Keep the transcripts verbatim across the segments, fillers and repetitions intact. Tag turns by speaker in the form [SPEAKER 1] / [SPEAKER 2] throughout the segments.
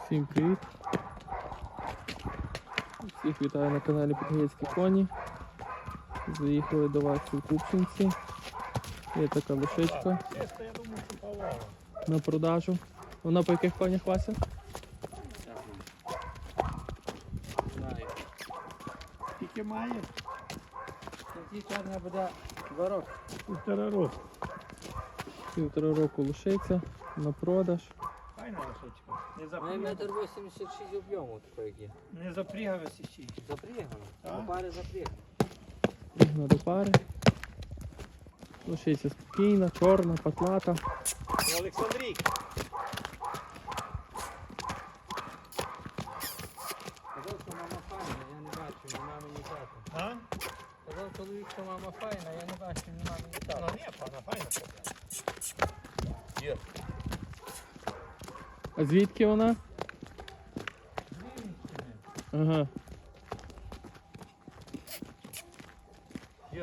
[SPEAKER 1] Всім привіт! Всіх вітаю на каналі Підгаєцькі коні. Заїхали до вас у Купчинці. Є така лошичка на продажу. Вона по яких конях, Вася?
[SPEAKER 2] Скільки має?
[SPEAKER 3] Ці чорна буде два роки.
[SPEAKER 2] Півтора року.
[SPEAKER 1] Півтора року лошиця на продаж.
[SPEAKER 2] Файна лошичка. Не
[SPEAKER 3] Має
[SPEAKER 2] запрягана.
[SPEAKER 3] метр вісімдесят шість об'єму такий, як є.
[SPEAKER 2] Не запрягалася ще.
[SPEAKER 3] Запрягано.
[SPEAKER 2] Так.
[SPEAKER 3] До пари запрягано.
[SPEAKER 1] Пригна до пари. Лошиця спокійна, чорна, патлата.
[SPEAKER 2] Олександрій.
[SPEAKER 3] Казав, що мама файна, я не бачу, ні мами, ні тата.
[SPEAKER 2] А?
[SPEAKER 3] Казав чоловік, що мама файна, я не бачу, ні мами, ні
[SPEAKER 2] Ну
[SPEAKER 3] тата.
[SPEAKER 2] ні, пана, файна.
[SPEAKER 3] Є.
[SPEAKER 1] А звідки вона? Ага.
[SPEAKER 3] Є.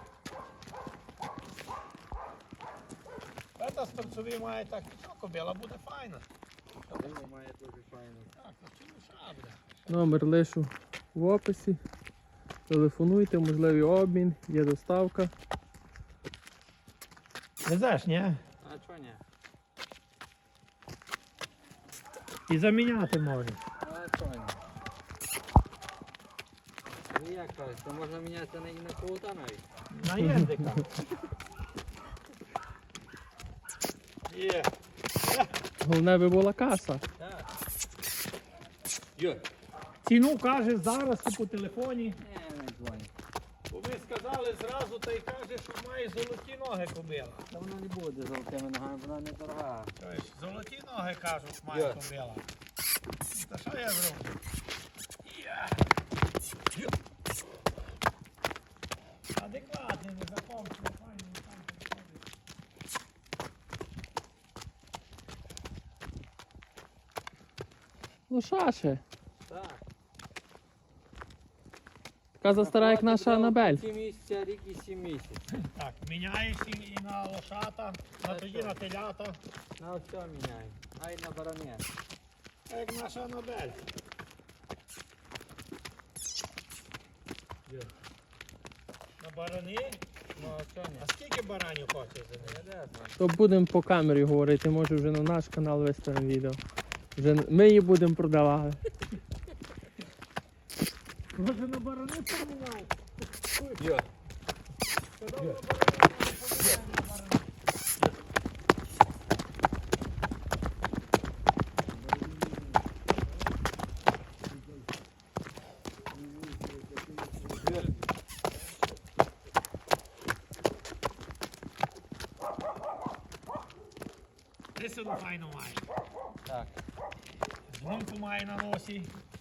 [SPEAKER 2] Та старцеві має так високо, біла буде файна.
[SPEAKER 3] Казав, має дуже файну.
[SPEAKER 2] Так, то чи лиша буде?
[SPEAKER 1] Номер лишу в описі. Телефонуйте, можливий обмін, є доставка.
[SPEAKER 2] Не знаєш, ні?
[SPEAKER 3] А чого ні?
[SPEAKER 2] І заміняти може.
[SPEAKER 3] А чого ні? Ну як кажуть, то можна міняти на, і на крута навіть.
[SPEAKER 2] На єндика. Є.
[SPEAKER 1] Головне би була каса.
[SPEAKER 3] Так. Є.
[SPEAKER 2] Ціну каже зараз ти по телефоні.
[SPEAKER 3] Не, не дзвонить.
[SPEAKER 2] Бо ви сказали зразу, та й каже, що має золоті ноги кобила.
[SPEAKER 3] Та вона не буде золотими ногами, вона не дорога.
[SPEAKER 2] Тобто, золоті ноги кажуть, має
[SPEAKER 3] Є.
[SPEAKER 2] кобила. Та що я зроблю? Я. Адекватний, не закончено, файний, файний.
[SPEAKER 1] Лошаче.
[SPEAKER 3] Так.
[SPEAKER 1] Така застара, як наша Анабель.
[SPEAKER 3] Сім місяця, рік і сім місяців.
[SPEAKER 2] Так, міняєш і і на лошата, на тоді на телята,
[SPEAKER 3] На все міняємо. А й на баране.
[SPEAKER 2] а як наша Анабель. На барани?
[SPEAKER 3] Ну а що ні?
[SPEAKER 2] А скільки баранів хочеш за
[SPEAKER 3] Я
[SPEAKER 2] неї?
[SPEAKER 3] де знаю.
[SPEAKER 1] То будемо по камері говорити, може вже на наш канал виставимо відео. Вже ми її будемо продавати.
[SPEAKER 2] Може на барани поміняв?
[SPEAKER 3] Є.
[SPEAKER 2] Сказав, на барани поміняємо на барани. Лисину файно має.
[SPEAKER 3] Так.
[SPEAKER 2] Гумку має на носі.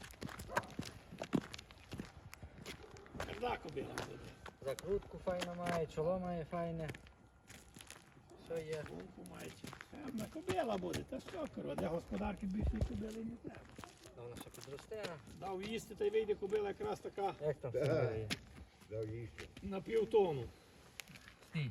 [SPEAKER 2] Когда кобила буде?
[SPEAKER 3] Закрутку файно має, чоло має файне. Все є.
[SPEAKER 2] Гумку має. Одна кобила буде, та що, корова, для господарки більше кобили не треба.
[SPEAKER 3] Та вона ще підросте.
[SPEAKER 2] Дав їсти, та й вийде кобила якраз така
[SPEAKER 3] Як там все є?
[SPEAKER 2] на півтону.
[SPEAKER 3] Стій.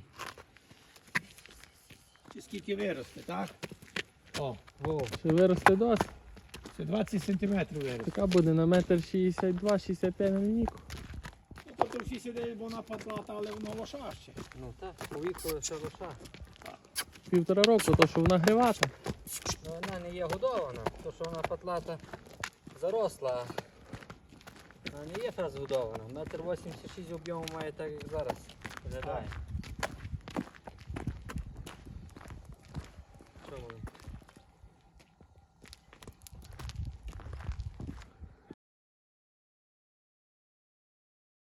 [SPEAKER 2] Чи скільки виросте, так? О,
[SPEAKER 3] Вов.
[SPEAKER 1] Ще виросте досить.
[SPEAKER 2] це двадцять сантиметрів виросте.
[SPEAKER 1] Така буде на метр шістдесят два шістдесят п'ять на лінійку.
[SPEAKER 2] Ну, то трохи сидить, бо вона патлата, але воно лоша ще.
[SPEAKER 3] Ну так, у віку ще лоша.
[SPEAKER 1] Півтора року, то що вона гривата.
[SPEAKER 3] Ну вона не є годована, то що вона патлата заросла. Вона не є фразгодована. Метр вісімдесят шість об'єму має так, як зараз. Виглядає.